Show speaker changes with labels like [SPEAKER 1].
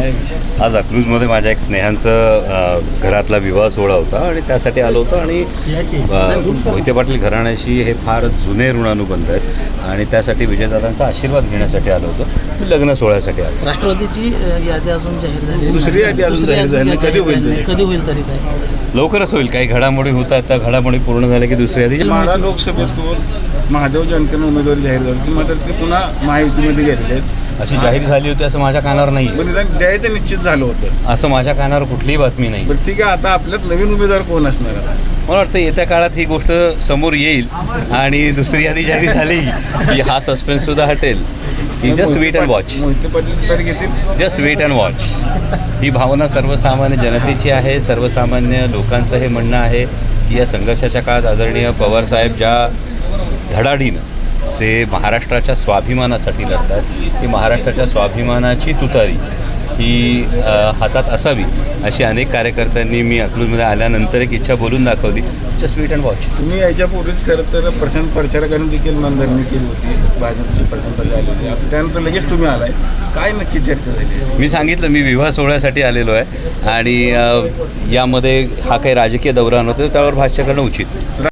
[SPEAKER 1] काय विषय?
[SPEAKER 2] आज अकलूजमध्ये माझ्या एक स्नेहांचं घरातला विवाह सोहळा होता आणि त्यासाठी आलो होतो. आणि मोहिते पाटील घराण्याशी हे फार जुने ऋणानुबंध आहेत आणि त्यासाठी विजयदादांचा आशीर्वाद घेण्यासाठी आलो होतो. मी लग्न सोहळ्यासाठी आलो.
[SPEAKER 3] राष्ट्रवादीची यादी अजून जाहीर झाली,
[SPEAKER 1] दुसरी यादी अजून जाहीर झाली नाही. कधी होईल ते?
[SPEAKER 3] कधी होईल तरी काय?
[SPEAKER 2] लवकरच होईल. काही घडामोडी होत आहेत, त्या घडामोडी पूर्ण झाल्या की दुसरी यादी.
[SPEAKER 1] माढा लोकसभेतून महादेव जानकर उमेदवारी जाहीर झाली की मात्र ते पुन्हा महायुतीमध्ये गेलेले आहेत.
[SPEAKER 2] अशी जाहीर झाली होती असं माझ्या कानावर नाही,
[SPEAKER 1] पण निदान द्यायचं निश्चित झालं होतं.
[SPEAKER 2] असं माझ्या कानावर कुठलीही बातमी नाही.
[SPEAKER 1] बरं ठीक आहे, आता आपल्यात नवीन उमेदवार कोण असणार आता?
[SPEAKER 2] मला वाटतं येत्या काळात ही गोष्ट समोर येईल आणि दुसरी यादी जाहीर झाली की हा सस्पेन्ससुद्धा हटेल. ही just wait and watch.
[SPEAKER 1] Mohite Patil तर घेतील.
[SPEAKER 2] Just wait and watch. ही भावना सर्वसामान्य जनतेची आहे. सर्वसामान्य लोकांचं हे म्हणणं आहे की या संघर्षाच्या काळात आदरणीय पवारसाहेब ज्या धडाडीनं जे महाराष्ट्राच्या स्वाभिमानासाठी लढतात, ही महाराष्ट्राच्या स्वाभिमानाची तुतारी ही हातात असावी अशी अनेक कार्यकर्त्यांनी मी अकलूजमध्ये आल्यानंतर एक इच्छा बोलून दाखवली. Just wait and watch.
[SPEAKER 1] तुम्ही याच्यापूर्वीच खरं तर प्रशांत प्रचारकांनी देखील मनधरणी केली होती. भाजपची प्रशांत आली होती. आता त्यानंतर लगेच तुम्ही आलाय. काय नक्की चर्चा झाली?
[SPEAKER 2] मी सांगितलं मी विवाह सोहळ्यासाठी आलेलो आहे आणि यामध्ये हा काही राजकीय दौरा नव्हता, त्यावर भाष्य करणं उचित.